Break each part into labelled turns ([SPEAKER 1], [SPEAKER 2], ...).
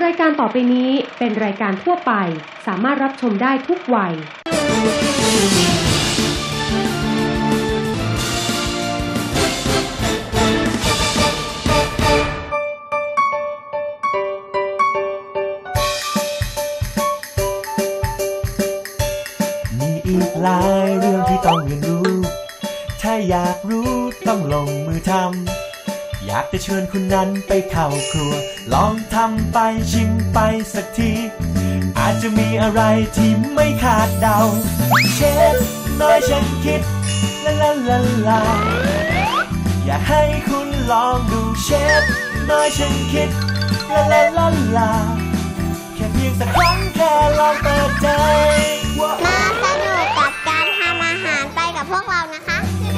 [SPEAKER 1] รายการต่อไปนี้เป็นรายการทั่วไปสามารถรับชมได้ทุกวัย
[SPEAKER 2] มีอีกหลายเรื่องที่ต้องเรียนรู้ถ้าอยากรู้ต้องลงมือทำอยากจะเชิญคุณนั้นไปเข้าครัวลองทำไปชิมไปสักทีอาจจะมีอะไรที่ไม่คาดเดาเชฟน้อยฉันคิดลาลาลาลาอยากให้คุณลองดูเชฟน้อยฉันคิดลาลาลาลาแค่เพียงสักครั้งแค่ลองเปิดใจ
[SPEAKER 3] มาสนุกกับการทำอาหารไปกับพวกเรานะคะ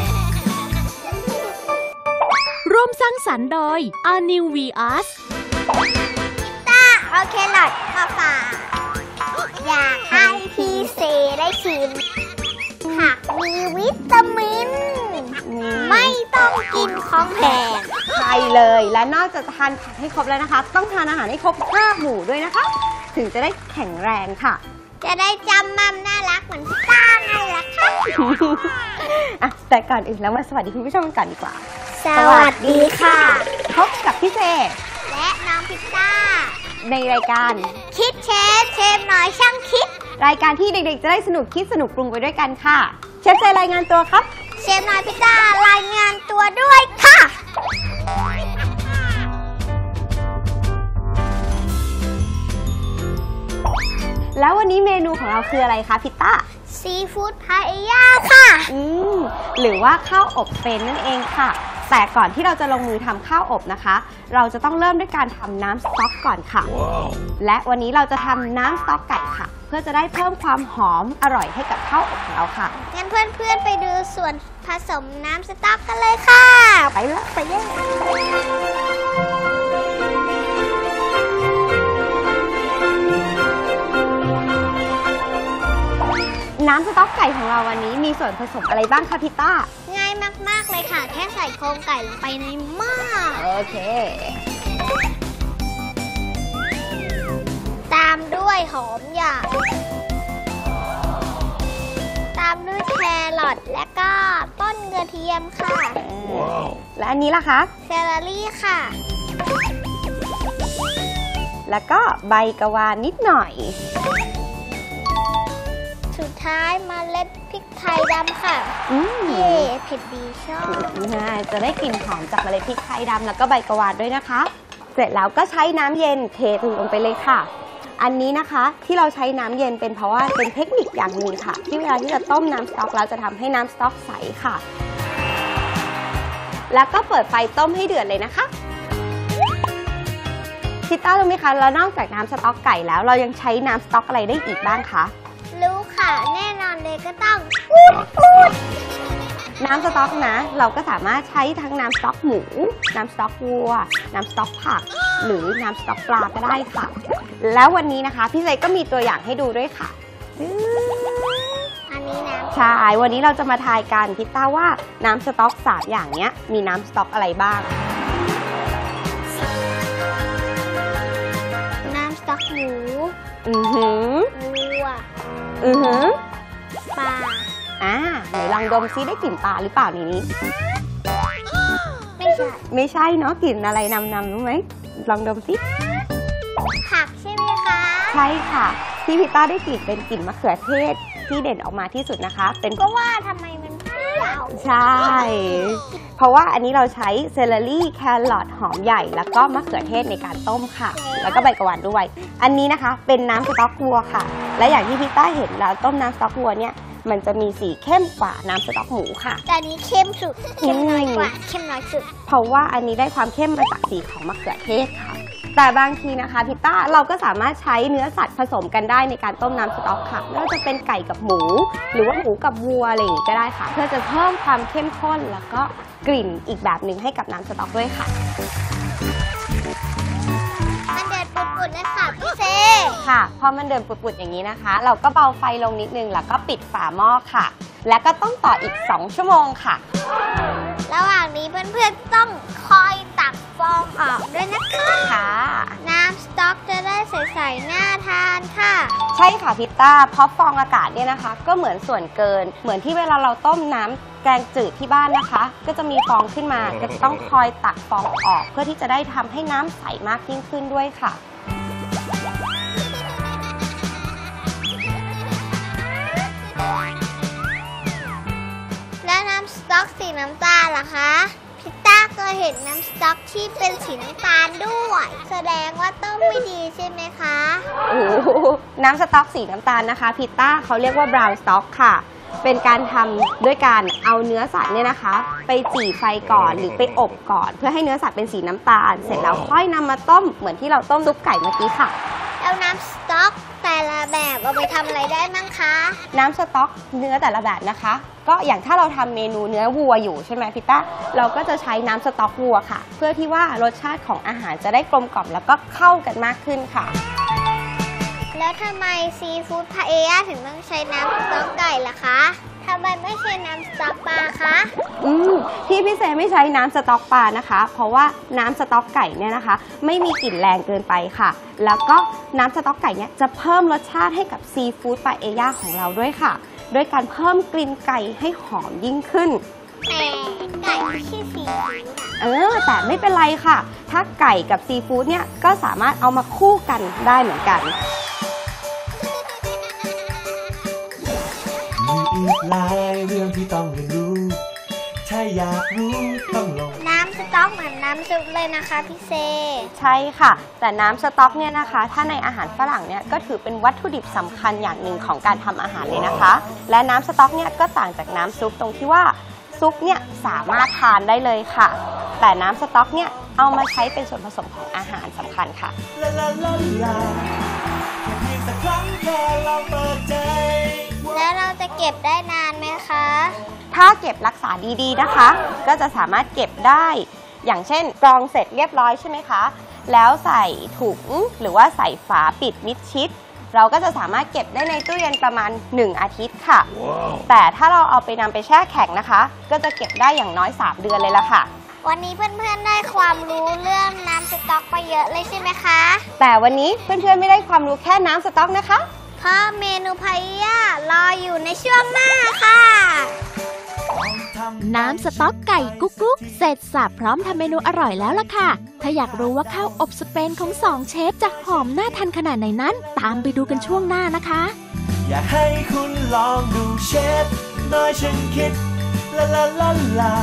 [SPEAKER 4] ร่วมสร้างสรรค์โดย New Vios
[SPEAKER 3] ต้าเอาแครอทมาฝากอยากให้พี่เซได้ชิมผักมีวิตามินไม่ต้องกินของแพง
[SPEAKER 5] ใช่เลยและนอกจากทานผักให้ครบแล้วนะคะต้องทานอาหารให้ครบ5 หมู่ด้วยนะคะถึงจะได้แข็งแรงค่ะ
[SPEAKER 3] จะได้จำมั่มน่ารักเหมือนพี่ต้าไงล่ะค่ะ
[SPEAKER 5] แต่ก่อนอื่นแล้วมาสวัสดีคุณผู้ชมกันดีกว่า
[SPEAKER 3] สวัสดีค่ะ
[SPEAKER 5] พบกับพี่เจ
[SPEAKER 3] และน้องพิต้า
[SPEAKER 5] ในรายการ
[SPEAKER 3] คิดเชฟน้อยช่างคิด
[SPEAKER 5] รายการที่เด็กๆจะได้สนุกคิดสนุกปรุงไปด้วยกันค่ะเชฟเจรายงานตัวครับ
[SPEAKER 3] เชฟน้อยพิต้ารายงานตัวด้วยค่ะ
[SPEAKER 5] แล้ววันนี้เมนูของเราคืออะไรคะพิต้า
[SPEAKER 3] ซีฟู้ดพาเอญ่าค่ะ
[SPEAKER 5] หรือว่าข้าวอบเป็นนั่นเองค่ะแต่ก่อนที่เราจะลงมือทำข้าวอบนะคะเราจะต้องเริ่มด้วยการทำน้ำสต๊อกก่อนค่ะ และวันนี้เราจะทำน้ำสต๊อกไก่ค่ะเพื่อจะได้เพิ่มความหอมอร่อยให้กับข้าวอบของเราค่ะ
[SPEAKER 3] งั้นเพื่อนๆไปดูส่วนผสมน้ำสต๊อกกันเลยค่ะ
[SPEAKER 5] ไปเลยน้ำสต๊อกไก่ของเราวันนี้มีส่วนผสมอะไรบ้างคะพิต้า
[SPEAKER 3] ง่ายมากๆเลยค่ะแค่ใส่โครงไก่ลงไปในหม้อ
[SPEAKER 5] โอเค
[SPEAKER 3] ตามด้วยหอมใหญ่ตามด้วยแครอทและก็ต้นกระเทียมค่ะ
[SPEAKER 5] และอันนี้ล่ะคะ
[SPEAKER 3] เซเลอรี่ค่ะ
[SPEAKER 5] แล้วก็ใบกะวานนิดหน่อย
[SPEAKER 3] สุดท้ายเมล็ดพริกไทยดำค่ะเย่เผ็ดดีชอบ
[SPEAKER 5] จะได้กลิ่นหอมจากเมล็ดพริกไทยดำแล้วก็ใบกะวานด้วยนะคะเสร็จแล้วก็ใช้น้ำเย็นเทลงไปเลยค่ะอันนี้นะคะที่เราใช้น้ำเย็นเป็นเพราะว่าเป็นเทคนิคอย่างหนึ่งค่ะที่เวลาที่จะต้มน้ำสต๊อกแล้วจะทำให้น้ำสต๊อกใสค่ะแล้วก็เปิดไฟต้มให้เดือดเลยนะคะพิต้ารู้ไหมคะแล้วนอกจากน้ำสต๊อกไก่แล้วเรายังใช้น้ำสต๊อกอะไรได้อีกบ้างคะ
[SPEAKER 3] รู้ค่ะแน่นอนเลยก็ต้อง
[SPEAKER 5] น้ำสต๊อกนะเราก็สามารถใช้ทั้งน้ำสต๊อกหมูน้ำสต๊อกวัวน้ำสต๊อกผักหรือน้ำสต๊อกปลาก็ได้ค่ะแล้ววันนี้นะคะพี่เจก็มีตัวอย่างให้ดูด้วยค่ะ
[SPEAKER 3] อันนี้นะ
[SPEAKER 5] ใช่วันนี้เราจะมาทายกันพิต้าว่าน้ำสต๊อก3อย่างนี้มีน้ำสต๊อกอะไรบ้าง
[SPEAKER 3] น้ำสต๊อกหมูวัวปลา
[SPEAKER 5] ไหนลองดมซิได้กลิ่นปลาหรือเปล่านี้ไม่ใช่เนาะกลิ่นอะไรนำรู้ไหมลองดมซิ
[SPEAKER 3] ผักใช่ไหมคะ
[SPEAKER 5] ใช่ค่ะที่พิต้าได้กลิ่นเป็นกลิ่นมะเขือเทศที่เด่นออกมาที่สุดนะคะเป็น
[SPEAKER 3] ก็ว่าทำไมมันเปรี้ยว
[SPEAKER 5] ใช่เพราะว่าอันนี้เราใช้เซเลอรี่แครอทหอมใหญ่แล้วก็มะเขือเทศในการต้มค่ะแล้วก็ใบกะวานด้วยอันนี้นะคะเป็นน้ำสต๊อกวัวค่ะและอย่างที่พิต้าเห็นแล้วต้มน้ำสต๊อกวัวเนี่ยมันจะมีสีเข้มกว่าน้ำสต๊อกหมูค่ะ
[SPEAKER 3] แต่อันนี้เข้มสุดเข้มน้อยกว่าเข้มน้อยสุด
[SPEAKER 5] เพราะว่าอันนี้ได้ความเข้มมาจากสีของมะเขือเทศค่ะแต่บางทีนะคะพิต้าเราก็สามารถใช้เนื้อสัตว์ผสมกันได้ในการต้มน้ำสต๊อกค่ะไม่ว่าจะเป็นไก่กับหมูหรือว่าหมูกับวัวอะไรอย่างนี้ก็ได้ค่ะเพื่อจะเพิ่มความเข้มข้นแล้วก็กลิ่นอีกแบบหนึ่งให้กับน้ำสต๊อกด้วยค่ะ
[SPEAKER 3] มันเดือดปุดๆเลยค่ะพี่เซ
[SPEAKER 5] ค่ะพอมันเดือดปุดๆอย่างนี้นะคะเราก็เบาไฟลงนิดนึงแล้วก็ปิดฝาหม้อค่ะแล้วก็ต้องต่ออีก2 ชั่วโมงค่ะ
[SPEAKER 3] ระหว่างนี้เพื่อนๆต้องคอยตักฟองออกด้วยนะคะ
[SPEAKER 5] ค่ะ
[SPEAKER 3] น้ำสต๊อกจะได้ใสๆน่าทานค่ะ
[SPEAKER 5] ใช่ค่ะพิตต้าเพราะฟองอากาศเนี่ยนะคะ ก็เหมือนส่วนเกิน เหมือนที่เวลาเราต้มน้ำแกงจืดที่บ้านนะคะ ก็จะมีฟองขึ้นมา ก็จะต้องคอยตักฟองออก เพื่อที่จะได้ทำให้น้ำใสมากยิ่งขึ้นด้วยค่ะ
[SPEAKER 3] แล้วน้ำสต๊อกสีน้ำตาลล่ะคะพิตต้าเคยเห็นน้ำสต๊อกที่เป็นสีน้ำตาลด้วย แสดงว่าต้มไม่ดีใช่ไหมคะ
[SPEAKER 5] โอ้โหน้ำสต๊อกสีน้ำตาลนะคะพิตต้าเขาเรียกว่าบราวน์สต๊อกค่ะ เป็นการทำด้วยการเอาเนื้อสัตว์เนี่ยนะคะ ไปจี่ไฟก่อนหรือไปอบก่อน เพื่อให้เนื้อสัตว์เป็นสีน้ำตาล เสร็จแล้วค่อยนำมาต้มเหมือนที่เราต้มซุปไก่เมื่อกี้ค่ะ
[SPEAKER 3] แล้วน้ำสต๊อกแต่ละแบบเอาไปทำอะไรได้มั้งคะ
[SPEAKER 5] น้ำสต๊อกเนื้อแต่ละแบบนะคะ ก็อย่างถ้าเราทำเมนูเนื้อวัวอยู่ใช่ไหมพิตต้าเราก็จะใช้น้ำสต๊อกวัวค่ะ เพื่อที่ว่ารสชาติของอาหารจะได้กลมกล่อมแล้วก็เข้ากันมากขึ้นค่ะ
[SPEAKER 3] แล้วทำไมซีฟู้ดพาเอย่าถึงต้องใช้น้ำสต๊อกไก่ล่ะคะทำไมไม่ใช้น้ำสต๊อกปลาคะ
[SPEAKER 5] ที่พี่เซไม่ใช้น้ำสต๊อกปลานะคะ เพราะว่าน้ำสต๊อกไก่เนี่ยนะคะ ไม่มีกลิ่นแรงเกินไปค่ะ แล้วก็น้ำสต๊อกไก่เนี่ยจะเพิ่มรสชาติให้กับซีฟู้ดปาเอย่าของเราด้วยค่ะด้วยการเพิ่มกลิ่นไก่ให้หอมยิ่งขึ้น
[SPEAKER 3] แต่ไก่ไม่ใช่ซีฟู้ดอะ
[SPEAKER 5] แต่ไม่เป็นไรค่ะ ถ้าไก่กับซีฟู้ดเนี่ยก็สามารถเอามาคู่กันได้เหมือนกัน
[SPEAKER 2] มีอีกหลายเรื่องที่ต้องเรียนรู้ ถ้าอยากรู้ต้องลง
[SPEAKER 3] น้ำสต๊อกเหมือนน้ำซุปเลยนะคะพี่เซ
[SPEAKER 5] ใช่ค่ะ แต่น้ำสต๊อกเนี่ยนะคะ ถ้าในอาหารฝรั่งเนี่ยก็ถือเป็นวัตถุดิบสำคัญอย่างหนึ่งของการทำอาหารเลยนะคะ และน้ำสต๊อกเนี่ยก็ต่างจากน้ำซุปตรงที่ว่าซุปเนี่ยสามารถทานได้เลยค่ะ แต่น้ำสต๊อกเนี่ยเอามาใช้เป็นส่วนผสมของอาหารสำคัญค่ะ
[SPEAKER 2] ลาลาลาลาแค่เพียงสักครั้งแค่ลองเปิดใจ
[SPEAKER 3] แล้วเราจะเก็บได้นานไหมคะ
[SPEAKER 5] ถ้าเก็บรักษาดีๆนะคะ ก็จะสามารถเก็บได้ อย่างเช่นกรองเสร็จเรียบร้อยใช่ไหมคะ แล้วใส่ถุงหรือว่าใส่ฝาปิดมิดชิด เราก็จะสามารถเก็บได้ในตู้เย็นประมาณ1อาทิตย์ค่ะ แต่ถ้าเราเอาไปนำไปแช่แข็งนะคะ ก็จะเก็บได้อย่างน้อย3เดือนเลยล่ะค่ะ
[SPEAKER 3] วันนี้เพื่อนๆได้ความรู้เรื่องน้ำสต๊อกไปเยอะเลยใช่ไหมคะ
[SPEAKER 5] แต่วันนี้เพื่อนๆไม่ได้ความรู้แค่น้ำสต๊อกนะคะ
[SPEAKER 3] เพราะเมนูพาเอย่ารออยู่ในช่วงหน้าค่ะ
[SPEAKER 4] น้ำสต๊อกไก่กุ๊กกุ๊กเสร็จสับพร้อมทำเมนูอร่อยแล้วล่ะค่ะ ถ้าอยากรู้ว่าข้าวอบสเปนของ2เชฟจะหอมน่าทานขนาดไหนนั้น ตามไปดูกันช่วงหน้านะคะ
[SPEAKER 2] อยากให้คุณลองดูเชฟน้อยฉันคิดลาลาลาลา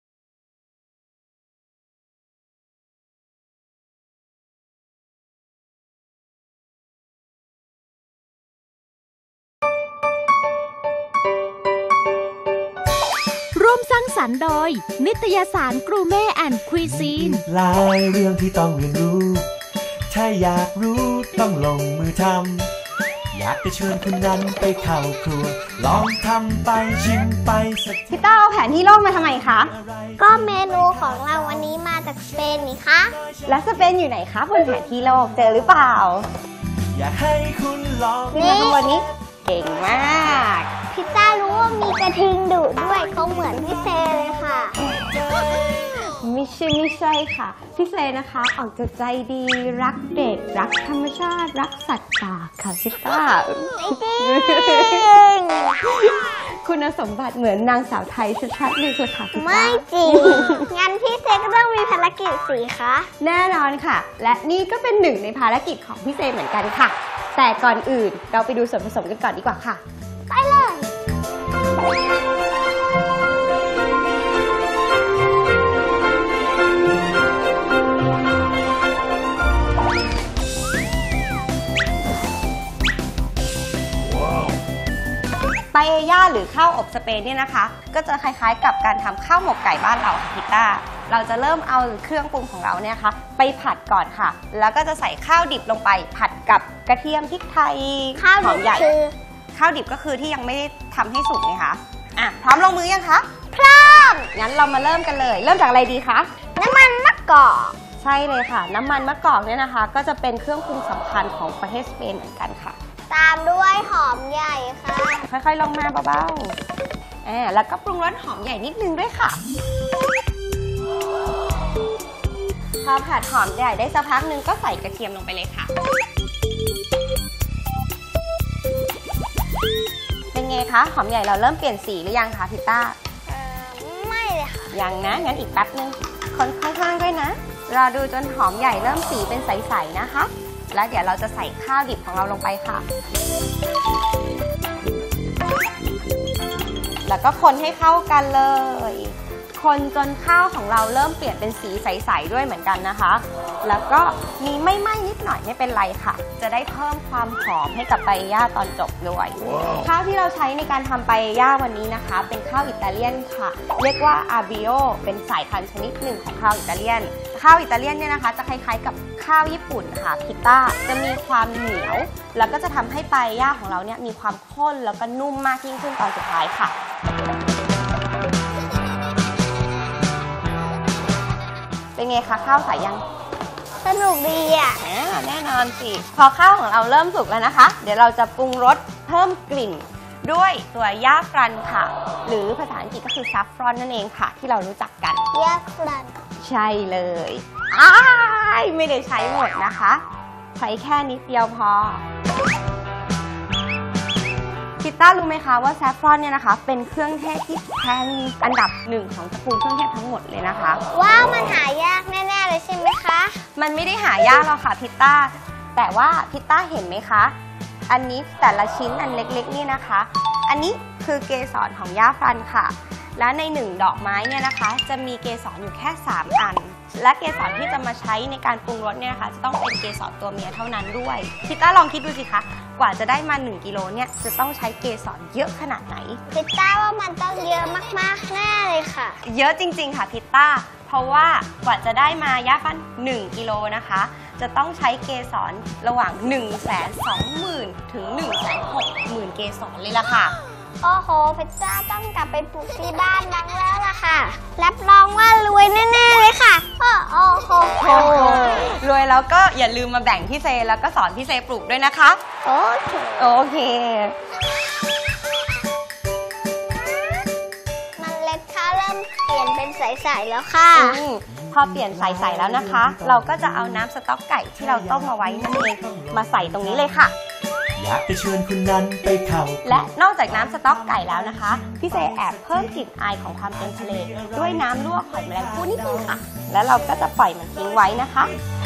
[SPEAKER 4] ร่วมสร้างสรรค์โดย นิตยสารกรูเม่แอนด์คุยซีน
[SPEAKER 2] หลายเรื่องที่ต้องเรียนรู้ ถ้าอยากรู้ต้องลงมือทำอยากจะเชิญคุณนั้นไปเข้าครัว ลองทำไปชิมไปสัก
[SPEAKER 5] พี่ต้าเอาแผนที่โลกมาทำไมคะ
[SPEAKER 3] ก็เมนูของเราวันนี้มาจากสเปนนี่คะ
[SPEAKER 5] และสเปนอยู่ไหนคะบนแผนที่โลกเจอหรือเปล่า
[SPEAKER 2] อยากให้คุณลอง
[SPEAKER 5] นี่มาข้างบนนี้เก่งมาก
[SPEAKER 3] พิซซ่ารู้ว่ามีกระทิงดุด้วยเขาเหมือนพี่เซเลยค่ะ
[SPEAKER 5] ไม่ใช่ค่ะพี่เซนะคะออกจะใจดีรักเด็กรักธรรมชาติรักสัตว์ป่าค่ะพี่ต้า
[SPEAKER 3] ไม่จริง
[SPEAKER 5] คุณสมบัติเหมือนนางสาวไทยชัดๆเลยค่ะพี่ต้า
[SPEAKER 3] ไม่จริง งั้นพี่เซก็ต้องมีภารกิจสิคะ
[SPEAKER 5] แน่นอนค่ะ และนี่ก็เป็นหนึ่งในภารกิจของพี่เซเหมือนกันค่ะ แต่ก่อนอื่นเราไปดูส่วนผสมกันก่อนดีกว่าค่ะ
[SPEAKER 3] ไปเลย
[SPEAKER 5] ปาเอย่าหรือข้าวอบสเปนเนี่ยนะคะ ก็จะคล้ายๆกับการทำข้าวหมกไก่บ้านเราค่ะพิต้าเราจะเริ่มเอาเครื่องปรุงของเราเนี่ยค่ะไปผัดก่อนค่ะ แล้วก็จะใส่ข้าวดิบลงไปผัดกับกระเทียมพริกไทย
[SPEAKER 3] ข้าว
[SPEAKER 5] หอมใหญ่
[SPEAKER 3] คือ
[SPEAKER 5] ข้าวดิบก็คือที่ยังไม่ได้ทำให้สุกไงคะอ่ะพร้อมลงมือยังคะ
[SPEAKER 3] พร้อม
[SPEAKER 5] งั้นเรามาเริ่มกันเลย เริ่มจากอะไรดีคะ
[SPEAKER 3] น้ำมันมะกอก
[SPEAKER 5] ใช่เลยค่ะ น้ำมันมะกอกเนี่ยนะคะ ก็จะเป็นเครื่องปรุงสำคัญของประเทศสเปนเหมือนกันค่ะ
[SPEAKER 3] ตามด้วยหอมใหญ่ค่ะ
[SPEAKER 5] ค่อยๆลงมาเบาๆแล้วก็ปรุงรสหอมใหญ่นิดนึงด้วยค่ะ พอผัดหอมใหญ่ได้สักพักนึงก็ใส่กระเทียมลงไปเลยค่ะไงคะหอมใหญ่เราเริ่มเปลี่ยนสีหรือยังคะพิต้า
[SPEAKER 3] ไม่เลยค่ะ
[SPEAKER 5] ยังนะงั้นอีกแป๊บนึงคนข้างๆด้วยนะรอดูจนหอมใหญ่เริ่มสีเป็นใสๆนะคะแล้วเดี๋ยวเราจะใส่ข้าวดิบของเราลงไปค่ะแล้วก็คนให้เข้ากันเลยคนจนข้าวของเราเริ่มเปลี่ยนเป็นสีใสๆด้วยเหมือนกันนะคะแล้วก็มีไม่ไหม้นิดหน่อยไม่เป็นไรค่ะจะได้เพิ่มความหอมให้กับปาเอญ่าตอนจบด้วย ข้าวที่เราใช้ในการทำปาเอญ่าวันนี้นะคะเป็นข้าวอิตาเลียนค่ะเรียกว่าอาบิโอเป็นสายพันธุ์ชนิดหนึ่งของข้าวอิตาเลียนข้าวอิตาเลียนเนี่ยนะคะจะคล้ายๆกับข้าวญี่ปุ่นค่ะพิต้าจะมีความเหนียวแล้วก็จะทำให้ปาเอญ่าของเราเนี่ยมีความข้นแล้วก็นุ่มมากยิ่งขึ้นตอนสุดท้ายค่ะเป็นไงคะข้าวใสยัง
[SPEAKER 3] สนุกดีอ่ะ
[SPEAKER 5] แน่นอนสิพอข้าวของเราเริ่มสุกแล้วนะคะเดี๋ยวเราจะปรุงรสเพิ่มกลิ่นด้วยตัวย่าฟรันค่ะหรือภาษาอังกฤษก็คือซัฟฟรอนนั่นเองค่ะที่เรารู้จักกัน
[SPEAKER 3] ย่าฟรัน
[SPEAKER 5] ใช่เลยไม่ได้ใช้หมดนะคะใช้แค่นิดเดียวพอพิต้ารู้ไหมคะว่าแซฟฟรอนเนี่ยนะคะเป็นเครื่องเทศที่แพงอันดับหนึ่งของตระกูลเครื่องเทศทั้งหมดเลยนะคะ
[SPEAKER 3] ว้าวมันหายากแน่ๆเลยใช่ไหมคะ
[SPEAKER 5] มันไม่ได้หายากหรอกค่ะพิต้าแต่ว่าพิต้าเห็นไหมคะอันนี้แต่ละชิ้นอันเล็กๆนี่นะคะอันนี้คือเกสรของย่าฟรันค่ะและใน1ดอกไม้เนี่ยนะคะจะมีเกสรอยู่แค่3อันและเกสรที่จะมาใช้ในการปรุงรสเนี่ยนะคะจะต้องเป็นเกสรตัวเมียเท่านั้นด้วยพิต้าลองคิดดูสิคะกว่าจะได้มา1กิโลเนี่ยจะต้องใช้เกสรเยอะขนาดไหน
[SPEAKER 3] พิต้าว่ามันต้องเยอะมากๆแน่เลยค่ะ
[SPEAKER 5] เยอะจริงๆค่ะพิต้าเพราะว่ากว่าจะได้มาย่าฟรัน1กิโลนะคะจะต้องใช้เกสรระหว่าง 120,000 ถึง 160,000 เกสรเลยล่ะค่ะ
[SPEAKER 3] โอ้โหพิต้าต้องกลับไปปลูกที่บ้านบ้างแล้วล่ะค่ะรับรองว่ารวยแน่ๆเลยค่ะโอ้โห
[SPEAKER 5] รวยแล้วก็อย่าลืมมาแบ่งพี่เซแล้วก็สอนพี่เซปลูกด้วยนะคะโอเค
[SPEAKER 3] มันเล็ดข้าวเริ่มเปลี่ยนเป็นใสๆแล้วค่ะ
[SPEAKER 5] พอเปลี่ยนใสๆแล้วนะคะเราก็จะเอาน้ำสต๊อกไก่ที่เราต้มเอาไว้นั่นเองมาใส่ตรงนี้เลยค่ะ
[SPEAKER 2] อยากจะเชิญคุณนั้นไปเข้า
[SPEAKER 5] และนอกจากน้ำสต๊อกไก่แล้วนะคะพี่เซแอบเพิ่มกลิ่นอายของความเป็นทะเลด้วยน้ำลวกหอยแมลงภู่นิดนึงค่ะแล้วเราก็จะปล่อยมันทิ้งไว้นะคะ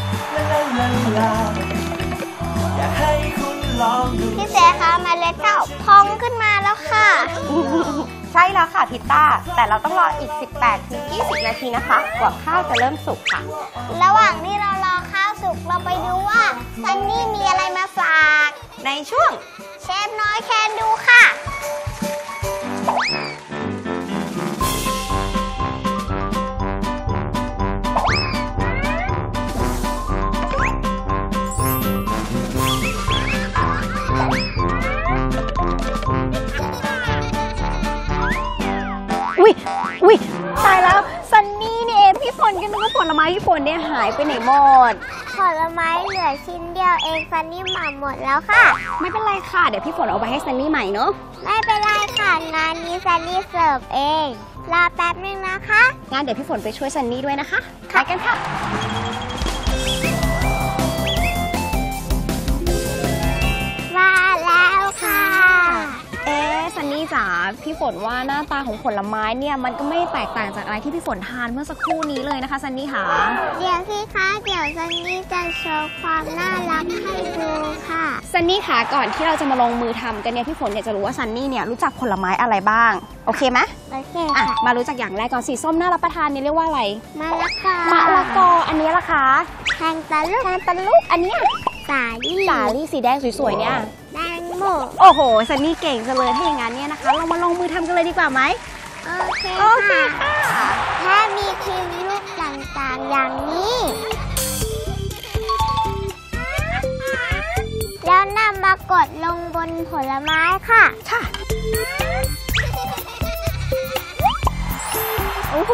[SPEAKER 2] อยากให้คุณลองดู
[SPEAKER 3] พี่เซคะเมล็ดข้าวพองขึ้นมาแล้วค่ะ
[SPEAKER 5] ใช่แล้วค่ะพิต้าแต่เราต้องรออีก 18-20 นาทีนะคะกว่าข้าวจะเริ่มสุกค่ะ
[SPEAKER 3] ระหว่างที่เรารอข้าวสุกเราไปดูว่าซันนี่มีอะไรมาฝาก
[SPEAKER 5] ในช่วง
[SPEAKER 3] เชฟน้อยแคนดูค่ะ
[SPEAKER 5] อุ๊ยตายแล้วซันนี่นี่เองพี่ฝนก็นึกว่าผลไม้พี่ฝนเนี่ยหายไปไหนหมด
[SPEAKER 3] ผลไม้เหลือชิ้นเดียวเองซันนี่หม่หมดแล้วค่ะ
[SPEAKER 5] ไม่เป็นไรค่ะเดี๋ยวพี่ฝนเอาไปให้ซันนี่ใหม่เนาะ
[SPEAKER 3] ไม่เป็นไรค่ะงานนี้ซันนี่เสิร์ฟเองรอแป๊บนึงนะคะ
[SPEAKER 5] งั้นเดี๋ยวพี่ฝนไปช่วยซันนี่ด้วยนะคะไปกันค่ะ
[SPEAKER 3] มาแล้วค่ะ
[SPEAKER 5] ซันนี่จ๋าพี่ฝนว่าหน้าตาของผลไม้เนี่ยมันก็ไม่แตกต่างจากอะไรที่พี่ฝนทานเมื่อสักครู่นี้เลยนะคะซันนี่ค่ะ
[SPEAKER 3] เดี๋ยวสิคะเดี๋ยวซันนี่จะโชว์ความน่ารักให้ดูค่ะ
[SPEAKER 5] ซันนี่ค่ะก่อนที่เราจะมาลงมือทำกันเนี่ยพี่ฝนอยากจะรู้ว่าซันนี่เนี่ยรู้จักผลไม้อะไรบ้างโอเคไหม
[SPEAKER 3] โอเคค่ะ
[SPEAKER 5] มารู้จักอย่างแรกก่อนสีส้มน่ารับประทานนี่เรียกว่าอะไร
[SPEAKER 3] มะละกอ
[SPEAKER 5] อันนี้ล่ะคะ
[SPEAKER 3] แทงตะลุก
[SPEAKER 5] อันนี้
[SPEAKER 3] สา
[SPEAKER 5] ลี่สีแดงสวยๆเนี่ย
[SPEAKER 3] แตงโม
[SPEAKER 5] โอ้โหซันนี่เก่งจังเลยถ้าอย่างนั้นเนี่ยนะคะเรามาลงมือทำกันเลยดีกว่าไหม
[SPEAKER 3] โอเคค่ะแค่มีครีมลูกต่างๆอย่างนี้แล้วนำมากดลงบนผลไม้ค่ะ
[SPEAKER 5] โอ้โห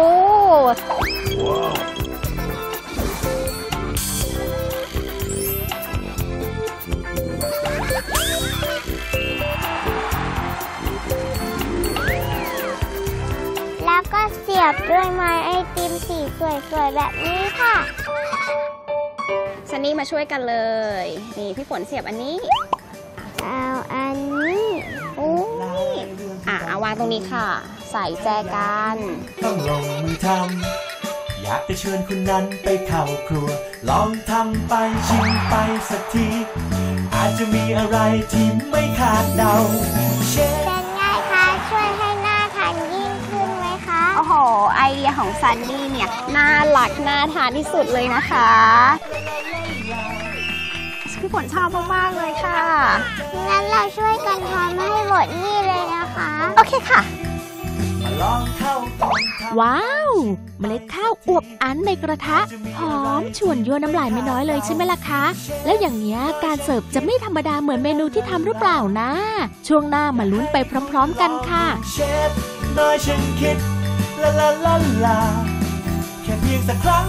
[SPEAKER 3] แล้วก็เสียบด้วยไม้ไอติมสีสวยๆแบบนี้ค่ะ
[SPEAKER 5] ซันนี่มาช่วยกันเลยนี่พี่ฝนเสียบอันนี้
[SPEAKER 3] เอาอันนี้
[SPEAKER 5] วางตรงนี้ค่ะ ใส่แจกัน
[SPEAKER 2] ต้องลงมือทำอยากจะเชิญคุณนั้นไปเข้าครัวลองทำไปชิมไปสักทีอาจจะมีอะไรที่ไม่คาดเดาเชฟ
[SPEAKER 3] เป็นไงคะช่วยให้น่าทานยิ่งขึ้นไหมคะ
[SPEAKER 5] โอ้โหไอเดียของซันนี่เนี่ยน่ารักน่าทานที่สุดเลยนะคะพี่ฝนชอบมากๆเลยค่ะ
[SPEAKER 3] งั้นเราช่วยกันทำให้หมดนี่เลยนะคะ
[SPEAKER 5] โอเคค่ะ
[SPEAKER 4] ว้าวเมล็ดข้าวอวบอันในกระทะหอมชวนยั่วน้ำลายไม่น้อยเลยใช่ไหมล่ะคะแล้วอย่างนี้การเสิร์ฟจะไม่ธรรมดาเหมือนเมนูที่ทำหรือเปล่านะช่วงหน้ามาลุ้นไปพร้อมๆกันค่ะ
[SPEAKER 2] เชฟน้อยฉันคิดลาลาลาลาแค่เพียงสักครั้ง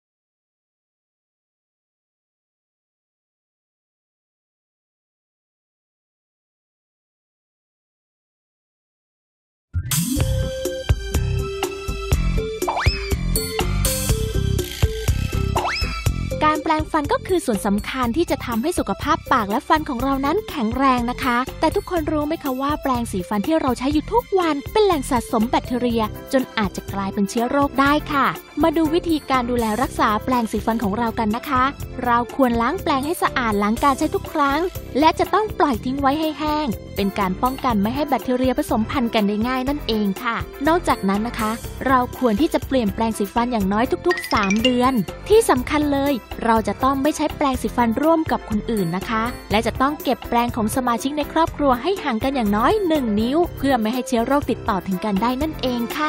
[SPEAKER 4] การแปรงฟันก็คือส่วนสำคัญที่จะทำให้สุขภาพปากและฟันของเรานั้นแข็งแรงนะคะแต่ทุกคนรู้ไหมคะว่าแปรงสีฟันที่เราใช้อยู่ทุกวันเป็นแหล่งสะสมแบคทีเรียจนอาจจะกลายเป็นเชื้อโรคได้ค่ะมาดูวิธีการดูแลรักษาแปรงสีฟันของเรากันนะคะเราควรล้างแปรงให้สะอาดหลังการใช้ทุกครั้งและจะต้องปล่อยทิ้งไว้ให้แห้งเป็นการป้องกันไม่ให้แบคทีเรียผสมพันธุ์กันได้ง่ายนั่นเองค่ะนอกจากนั้นนะคะเราควรที่จะเปลี่ยนแปรงสีฟันอย่างน้อยทุกๆ3 เดือนที่สำคัญเลยเราจะต้องไม่ใช้แปรงสีฟันร่วมกับคนอื่นนะคะและจะต้องเก็บแปรงของสมาชิกในครอบครัวให้ห่างกันอย่างน้อย1 นิ้วเพื่อไม่ให้เชื้อโรคติดต่อถึงกันได้นั่นเองค่ะ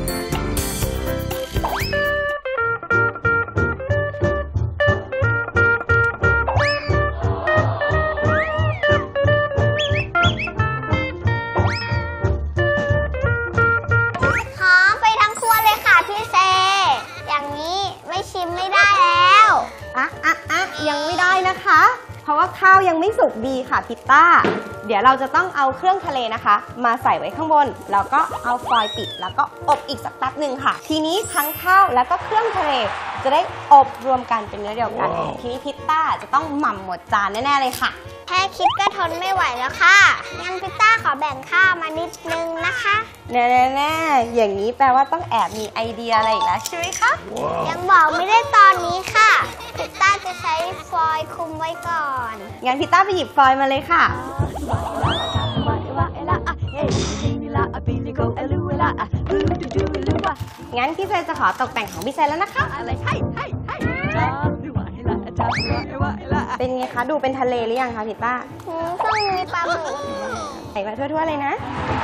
[SPEAKER 5] ยังไม่ได้นะคะเพราะว่าข้าวยังไม่สุกดีค่ะพิตต้าเดี๋ยวเราจะต้องเอาเครื่องทะเลนะคะมาใส่ไว้ข้างบนแล้วก็เอาฟอยล์ปิดแล้วก็อบอีกสักแป๊บหนึ่งค่ะทีนี้ทั้งข้าวแล้วก็เครื่องทะเลจะได้อบรวมกันเป็นเนื้อเดียวกัน ทีนี้พิตต้าจะต้องหม่ำหมดจานแน่ๆเลยค่ะ
[SPEAKER 3] แค่คิดก็ทนไม่ไหวแล้วค่ะงั้นพิตต้าขอแบ่งข้าวมานิดนึงนะคะ
[SPEAKER 5] แน่ๆอย่างนี้แปลว่าต้องแอบมีไอเดียอะไรอีกแล้วใช่ไหมคะ
[SPEAKER 3] ยังบอกไม่ได้ตอนนี้ค่ะพิตต้าจะใช้ฟอยล์คลุมไว้ก่อน
[SPEAKER 5] งั้นพิตต้าไปหยิบฟอยล์มาเลยค่ะงั้นพี่เซจะขอตกแต่งของพี่เซแล้วนะคะเป็นไงคะดูเป็นทะเลหรือยังคะพิตต้า
[SPEAKER 3] ต้องมีปลาหมึก
[SPEAKER 5] ใส่มาทั่วๆเลยนะ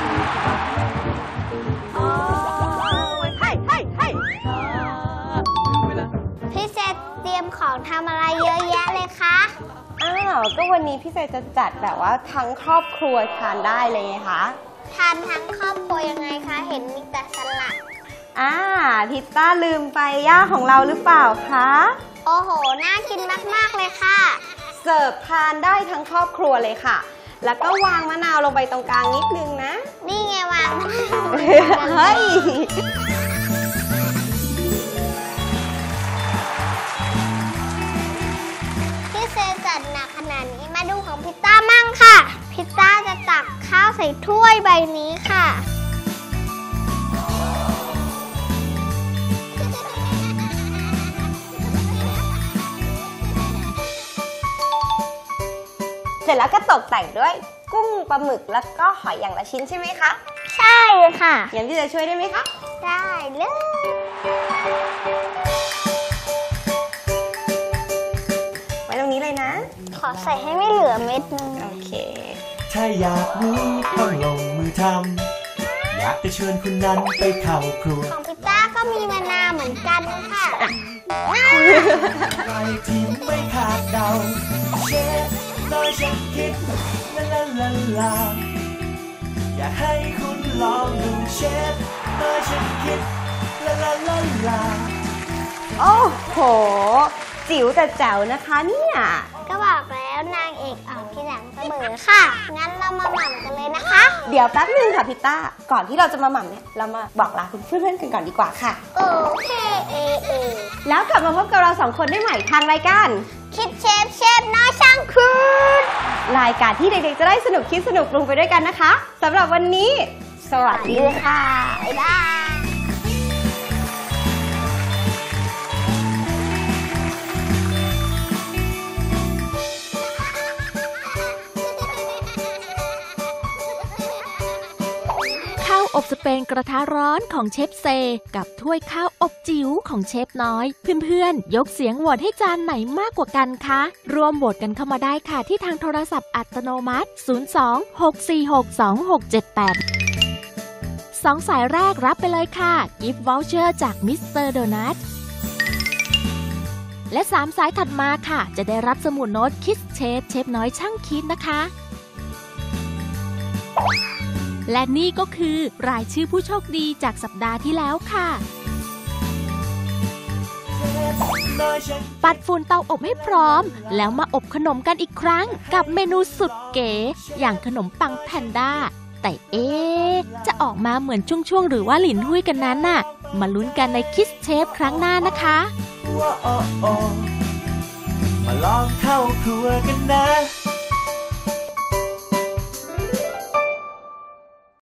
[SPEAKER 3] พี่เซเตรียมของทำอะไรเยอะแยะเลยคะ
[SPEAKER 5] ก็วันนี้พี่เซจะจัดแบบว่าทั้งครอบครัวทานได้เลยไงคะ
[SPEAKER 3] ทานทั้งครอบครัวยังไงคะเห็นมีแต่สลัด
[SPEAKER 5] พิตต้าลืมไปย่าของเราหรือเปล่าคะ
[SPEAKER 3] โอ้โหน่ากินมากๆเลยค่ะ
[SPEAKER 5] เสิร์ฟทานได้ทั้งครอบครัวเลยค่ะแล้วก็วางมะนาวลงไปตรงกลางนิดนึงนะ
[SPEAKER 3] นี่ไงวาง
[SPEAKER 5] เฮ้ย
[SPEAKER 3] พี่เซจัดหนักขนาดนี้มาดูของพิตต้ามั่งค่ะพิตต้าจะตักข้าวใส่ถ้วยใบนี้ค่ะ
[SPEAKER 5] เสร็จแล้วก็ตกแต่งด้วยกุ้งปลาหมึกแล้วก็หอยอย่างละชิ้นใช่ไหมคะ
[SPEAKER 3] ใช่ค่ะ
[SPEAKER 5] งั้นพี่จะช่วยได้ไหมคะ
[SPEAKER 3] ได้เลย
[SPEAKER 5] ไว้ตรงนี้เลยนะ
[SPEAKER 3] ขอใส่ให้ไม่เหลือเม็ดนึง
[SPEAKER 5] โอเค
[SPEAKER 2] ถ้าอยากรู้ต้องลงมือทำอยากจะเชิญคุณนั้นไปเข้าครัว
[SPEAKER 3] ของพิตต้าก็มีมะนาวเหมือนกันค่ะ
[SPEAKER 2] อะไรที่ไม่คาดเดาเชฟน้อยฉันคิดลาลาลาลาอยากให้คุณลองดูเชฟน้อยฉันคิดลาลาลาลา
[SPEAKER 5] โอ้โหจิ๋วแต่แจ๋วนะคะเนี่ย
[SPEAKER 3] ก็บอกแล้วนางเอกออกที่หลังเสมอค่ะงั้นเรามาหม่ำกันเลยนะคะ
[SPEAKER 5] เดี๋ยวแป๊บนึงค่ะพิตต้าก่อนที่เราจะมาหม่ำเนี่ยเรามาบอกลาคุณเพื่อนๆกันก่อนดีกว่าค่ะ
[SPEAKER 3] โอเค
[SPEAKER 5] แล้วกลับมาพบกับเรา2 คนได้ใหม่ทางรายการ
[SPEAKER 3] คิดเชฟน้อยช่างคุณ
[SPEAKER 5] รายการที่เด็กๆจะได้สนุกคิดสนุกปรุงไปด้วยกันนะคะสำหรับวันนี้สวัสดีค่ะ
[SPEAKER 3] บ๊ายบาย
[SPEAKER 4] ข้าวอบสเปนกระทะร้อนของเชฟเซกับถ้วยข้าวอบจิ๋วของเชฟน้อยเพื่อนๆยกเสียงโหวตให้จานไหนมากกว่ากันคะร่วมโหวตกันเข้ามาได้ค่ะที่ทางโทรศัพท์อัตโนมัติ02-646-2678 2 สายแรกรับไปเลยค่ะ Gift Voucher จากมิสเตอร์โดนัทและ3 สายถัดมาค่ะจะได้รับสมุดโน้ตคิสเชฟน้อยช่างคิดนะคะและนี่ก็คือรายชื่อผู้โชคดีจากสัปดาห์ที่แล้วค่ะปัดฝุ่นเตาอบให้พร้อมแล้วมาอบขนมกันอีกครั้งกับเมนูสุดเก๋อย่างขนมปังแพนด้าแต่จะออกมาเหมือนช่วงหรือว่าหลินหุ้ยกันนั้นน่ะมาลุ้นกันในคิสเชฟครั้งหน้านะคะ
[SPEAKER 2] มาลองเข้าครัวกันนะ